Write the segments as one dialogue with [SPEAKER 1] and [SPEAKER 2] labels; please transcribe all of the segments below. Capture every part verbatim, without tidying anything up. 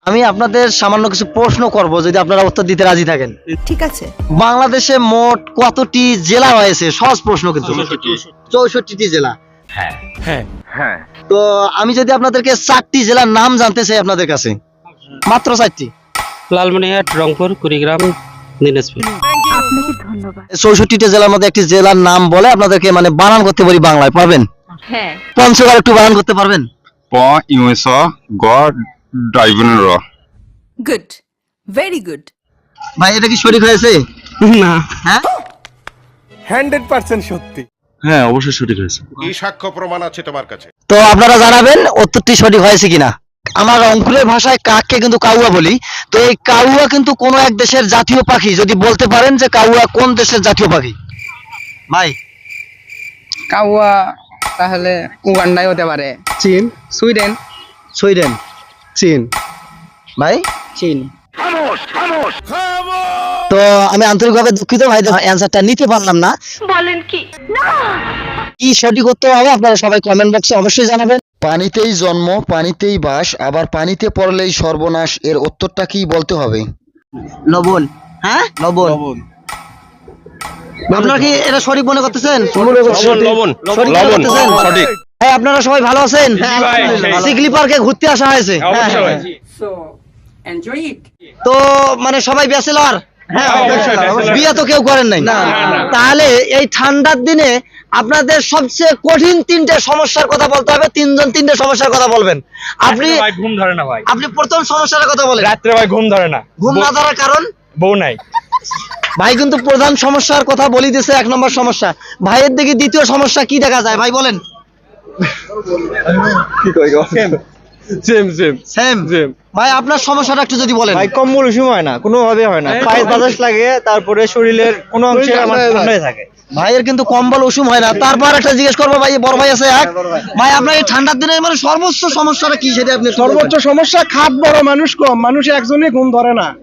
[SPEAKER 1] আমি আপনাদের সামান্য কিছু প্রশ্ন করব, যদি আপনারা উত্তর দিতে রাজি থাকেন।
[SPEAKER 2] ঠিক আছে।
[SPEAKER 1] বাংলাদেশে মোট কতটি জেলা রয়েছে? সহজ প্রশ্ন কিন্তু। চৌষট্টি জেলা।
[SPEAKER 3] হ্যাঁ হ্যাঁ হ্যাঁ
[SPEAKER 1] তো আমি যদি আপনাদেরকে চারটি জেলার নাম জানতে চাই আপনাদের কাছে, মাত্র চারটি।
[SPEAKER 4] লালমনিরহাট, রংপুর, কুড়িগ্রাম, দিনাজপুর।
[SPEAKER 2] আপনাকে ধন্যবাদ।
[SPEAKER 1] চৌষট্টিটা জেলার মধ্যে একটি জেলার নাম বলে আপনাদেরকে মানে বানান করতে পারি বাংলায়, পারবেন?
[SPEAKER 2] হ্যাঁ।
[SPEAKER 1] পঞ্চগড় একটু বানান করতে পারবেন?
[SPEAKER 5] প ইউএস গ ডাইভেন র
[SPEAKER 2] গুড, ভেরি গুড।
[SPEAKER 1] ভাই এটা কি সঠিক হয়েছে?
[SPEAKER 4] না।
[SPEAKER 1] হ্যাঁ
[SPEAKER 3] হান্ড্রেড পার্সেন্ট সত্যি।
[SPEAKER 4] হ্যাঁ, অবশ্যই সঠিক হয়েছে।
[SPEAKER 6] কি সাক্ষ্য প্রমাণ আছে তোমার কাছে?
[SPEAKER 1] তো আপনারা জানাবেন উত্তরটি সঠিক হয়েছে কিনা। আমার রংপুরের ভাষায় কাককে কিন্তু কাউয়া বলি। তো এই কাউয়া কিন্তু কোন এক দেশের জাতীয় পাখি, যদি বলতে পারেন যে কাউয়া কোন দেশের জাতীয় পাখি? ভাই
[SPEAKER 7] কাউয়া তাহলে উগান্ডায় হতে পারে,
[SPEAKER 4] চীন,
[SPEAKER 7] সুইডেন।
[SPEAKER 1] সুইডেন।
[SPEAKER 4] চীন।
[SPEAKER 1] ভাই
[SPEAKER 7] চীন।
[SPEAKER 1] তো আমি আন্তরিকভাবে দুঃখিত ভাই, অ্যান্সারটা নিতে পারলাম না।
[SPEAKER 2] বলেন কি?
[SPEAKER 1] কি সঠিক উত্তর হবে আপনারা সবাই কমেন্ট বক্সে অবশ্যই জানাবেন।
[SPEAKER 8] পানিতেই জন্ম পানিতেই বাস, আবার পানিতে পড়লেই সর্বনাশ, এর উত্তরটা কি বলতে হবে?
[SPEAKER 1] লবণ। হ্যাঁ লবণ। আপনারা কি এটা সঠিক মনে করতেছেন?
[SPEAKER 4] লবণ,
[SPEAKER 1] সঠিক মনে করতেছেন?
[SPEAKER 4] সঠিক।
[SPEAKER 1] হ্যাঁ, আপনারা সবাই ভালো আছেন?
[SPEAKER 4] ভাই।
[SPEAKER 1] সিগলি পার্কে ঘুরতে আসা হয়েছে।
[SPEAKER 4] অবশ্যই।
[SPEAKER 9] So enjoy it.
[SPEAKER 1] তো মানে সবাই ব্যাচেলর?
[SPEAKER 4] হ্যাঁ, অবশ্যই bachelor।
[SPEAKER 1] বিয়ে তো কেউ করেন নাই?
[SPEAKER 4] না, না।
[SPEAKER 1] তাহলে এই ঠান্ডার দিনে আপনাদের সবচেয়ে কঠিন তিনটে সমস্যার কথা বলতে হবে। তিনজন তিনটে সমস্যার কথা বলবেন। আপনি
[SPEAKER 4] ভাই ঘুম ধরে না ভাই।
[SPEAKER 1] আপনি প্রথম সমস্যার কথা বলেন।
[SPEAKER 4] রাত্রে ভাই ঘুম ধরে না।
[SPEAKER 1] ঘুম না ধরার কারণ?
[SPEAKER 4] বউ নাই।
[SPEAKER 1] ভাই কিন্তু প্রধান সমস্যার কথা বলি দিয়েছে, এক নম্বর সমস্যা। ভাইয়ের দিকে দ্বিতীয় সমস্যা কি দেখা যায় ভাই বলেন?
[SPEAKER 4] Same same
[SPEAKER 1] same
[SPEAKER 4] same.
[SPEAKER 1] ভাই আপনার সমস্যাটা একটু যদি বলেন।
[SPEAKER 10] ভাই কম্বল উষুম হয় না, কোনোভাবে হয় না, পায়ে বাতাস লাগে, তারপরে শরীরের কোনো অংশে আমার ঠান্ডায় থাকে।
[SPEAKER 1] ভাইয়ের কিন্তু কম্বল উষুম হয় না। তারপর একটা জিজ্ঞেস করবো, ভাই বড় ভাই আছে এক, ভাই আপনার এই ঠান্ডার দিনে মানে সর্বোচ্চ সমস্যাটা কি সেটা আপনি
[SPEAKER 10] সর্বোচ্চ সমস্যা খাট বড়, মানুষ কম, মানুষ একজনই ঘুম ধরে না।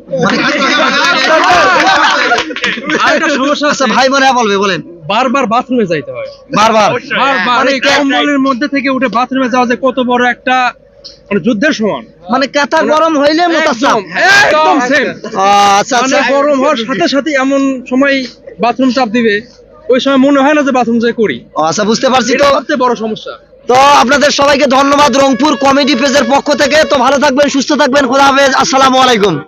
[SPEAKER 4] আরেকটা সমস্যা
[SPEAKER 1] আচ্ছা ভাই মনে হয় বলবে, বলেন।
[SPEAKER 4] বারবার বাথরুমে যাইতে হয়।
[SPEAKER 1] বারবার
[SPEAKER 4] বারবার
[SPEAKER 1] মানে
[SPEAKER 4] এই কম্বলের মধ্যে থেকে উঠে বাথরুমে যাওয়া যে কত বড় একটা মানে যুদ্ধের সমান।
[SPEAKER 1] মানে কাঁথা গরম হইলে মোতাসাম।
[SPEAKER 4] একদম সেম।
[SPEAKER 1] আচ্ছা
[SPEAKER 4] মানে
[SPEAKER 1] আচ্ছা
[SPEAKER 4] গরম হওয়ার সাথে সাথে এমন সময় বাথরুম চাপ দিবে, ওই সময় মনে হয় না যে বাথরুম যাই করি।
[SPEAKER 1] ও, আচ্ছা বুঝতে পারছি।
[SPEAKER 4] এটা
[SPEAKER 1] তো
[SPEAKER 4] সবচেয়ে বড় সমস্যা।
[SPEAKER 1] তো আপনাদের সবাইকে ধন্যবাদ রংপুর কমেডি পেজের পক্ষ থেকে। তো ভালো থাকবেন, সুস্থ থাকবেন, খোদা হাফেজ, আসসালামু আলাইকুম।